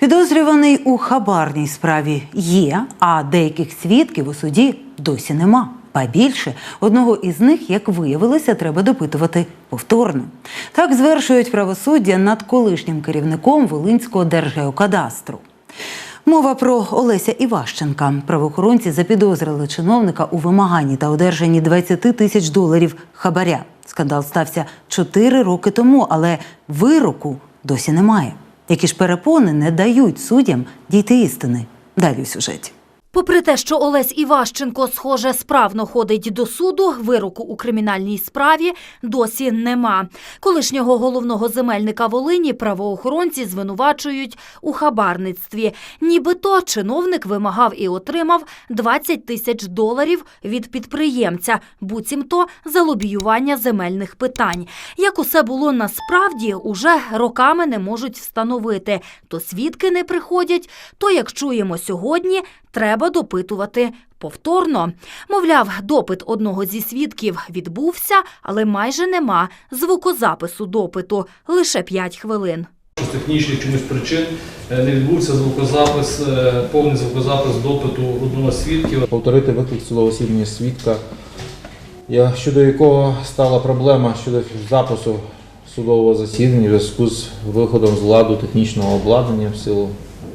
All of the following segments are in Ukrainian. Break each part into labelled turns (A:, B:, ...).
A: Підозрюваний у хабарній справі є, а деяких свідків у суді досі нема. Ба більше, одного із них, як виявилося, треба допитувати повторно. Так звершують правосуддя над колишнім керівником Волинського Держгеокадастру. Мова про Олеся Іващенка. Правоохоронці запідозрили чиновника у вимаганні та одержанні $20 тисяч хабаря. Скандал стався 4 роки тому, але вироку досі немає. Які ж перепони не дають суддям дійти істини? Далі у сюжеті.
B: Попри те, що Олесь Іващенко, схоже, справно ходить до суду, вироку у кримінальній справі досі нема. Колишнього головного земельника Волині правоохоронці звинувачують у хабарництві. Нібито чиновник вимагав і отримав $20 тисяч від підприємця, буцімто за лобіювання земельних питань. Як усе було насправді, уже роками не можуть встановити. То свідки не приходять, то, як чуємо сьогодні, треба допитувати повторно. Мовляв, допит одного зі свідків відбувся, але майже нема звукозапису допиту – лише 5 хвилин.
C: З технічних чомусь причин не відбувся звукозапис, повний звукозапис допиту одного з свідків.
D: Повторити виклик судового засідання свідка, щодо якого стала проблема щодо запису судового засідання в зв'язку з виходом з ладу технічного обладнання в силу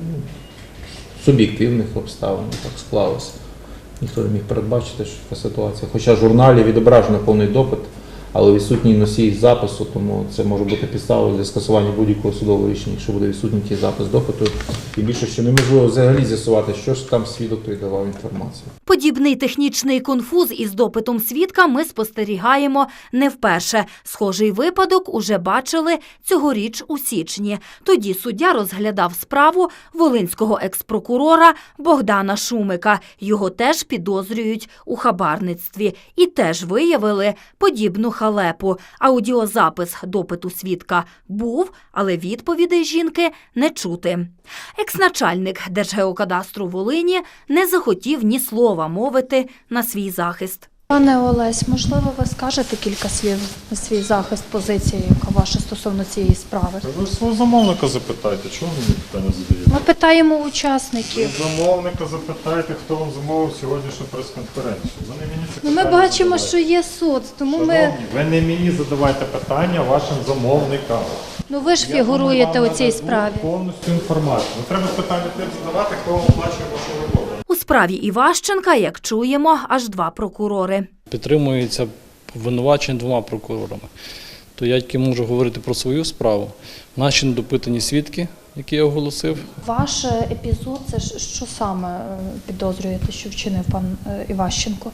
D: суб'єктивних обставин, так склалося. Ніхто не міг передбачити, що така ситуація. Хоча в журналі відображено повний допит, але відсутній носій запису, тому це може бути підставою для скасування будь-якого судового рішення, якщо буде відсутній ті запис допиту. І більше, що неможливо взагалі з'ясувати, що ж там свідок той давав інформацію.
B: Подібний технічний конфуз із допитом свідка ми спостерігаємо не вперше. Схожий випадок уже бачили цьогоріч у січні. Тоді суддя розглядав справу волинського експрокурора Богдана Шумика. Його теж підозрюють у хабарництві. І теж виявили подібну халепу. Аудіозапис допиту свідка був, але відповідей жінки не чути. Екс-начальник Держгеокадастру Волині не захотів ні слова мовити на свій захист.
E: Пане Олесь, можливо, ви скажете кілька слів на свій захист, позиції, яка ваша стосовно цієї справи?
F: Ви свого замовника запитайте, чого ви мені питання задаєте?
E: Ми питаємо учасників.
F: Ви замовника запитайте, хто вам замовив сьогоднішню прес-конференцію. Ви не мені це питання
E: Ми бачимо,
F: задавайте.
E: що є суд, тому
F: Шановні, ви не мені задавайте питання вашим замовникам.
E: ви ж фігуруєте у цій справі.
F: Повністю інформацію. Не треба питання тим задавати, хто вам оплачує вашу роботу.
B: У справі Іващенка, як чуємо, аж 2 прокурори.
G: Підтримується обвинувачення 2 прокурорами. То я тільки можу говорити про свою справу. Наші недопитані свідки, які я оголосив.
E: Ваш епізод, це що саме підозрюєте, що вчинив пан Іващенко?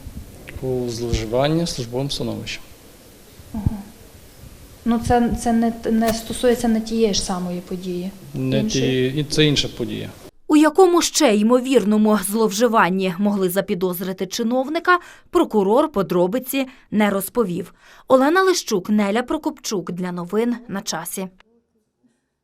G: У зловживанні службовим становищем.
E: Це не стосується не тієї ж самої події.
G: Це інша подія.
B: У якому ще ймовірному зловживанні могли запідозрити чиновника, прокурор подробиці не розповів. Олена Лищук, Неля Прокопчук. Для новин на часі.